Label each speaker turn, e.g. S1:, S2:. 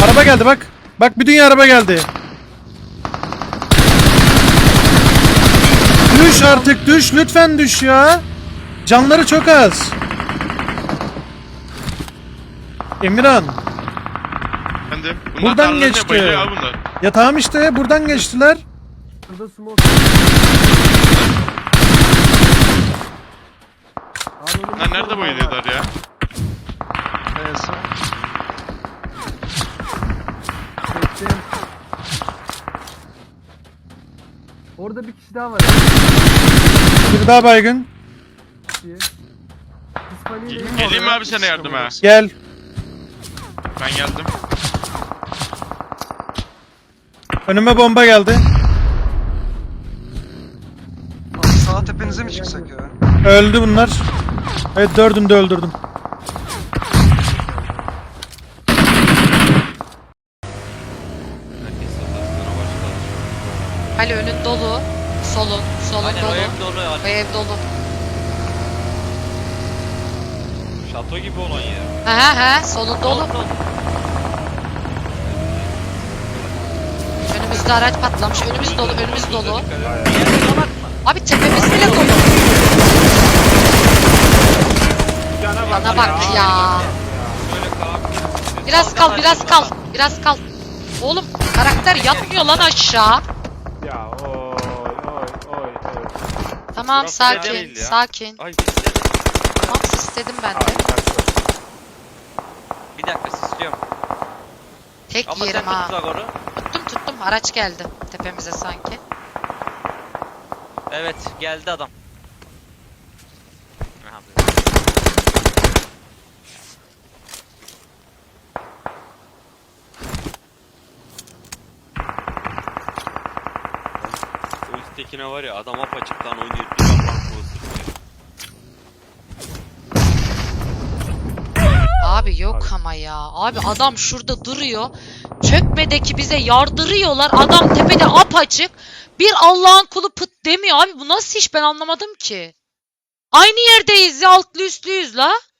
S1: Araba geldi bak. Bak bir dünya araba geldi. Düş artık düş. Lütfen düş ya. Canları çok az. Emirhan.
S2: Efendim?
S1: Buradan geçti.
S2: Ya bunlar.
S1: Ya tamam işte buradan geçtiler.
S3: Burada smoke. Abi
S2: Lan nerede bayılıyorlar ya?
S3: Çektim. Orada bir kişi daha var.
S1: Bir daha baygın.
S2: Geleyim mi abi sana yardıma?
S1: Gel.
S2: Ben geldim.
S1: Önüme bomba geldi.
S4: Sağ tepenize mi çıksak ya?
S1: Öldü bunlar. Evet dördünü de öldürdüm.
S5: Ali önün dolu. Solun
S6: Aynen
S5: dolu.
S6: o ev dolu ya.
S5: O ev dolu.
S6: Şato gibi olan yer.
S5: He solun dolu. Önümüzde araç patlamış. Önümüz dolu. Abi tepemiz bile dolu. Bana bak ya. Biraz kal. Oğlum karakter yatmıyor lan aşağı.
S7: Ya oy.
S5: Tamam
S6: Burası
S5: sakin.
S6: değil ya.
S5: Sakin.
S6: Ay
S5: Tamam istedim ben de.
S6: bir dakika istiyorum.
S5: Tek
S6: Ama
S5: yerim
S6: sen
S5: ha.
S6: tut Zagor'u.
S5: Tuttum. Araç geldi tepemize sanki.
S6: Evet geldi adam. Aha,
S8: O üsttekine var ya adam apaçıktan oynuyor. Bir yapan
S5: Abi yok ama ya. Abi adam şurada duruyor. Çökmedeki bize yardırıyorlar. Adam tepede apaçık. Bir Allah'ın kulu pıt demiyor. Abi bu nasıl iş ben anlamadım ki. Aynı yerdeyiz ya altlı üstlüyüz la.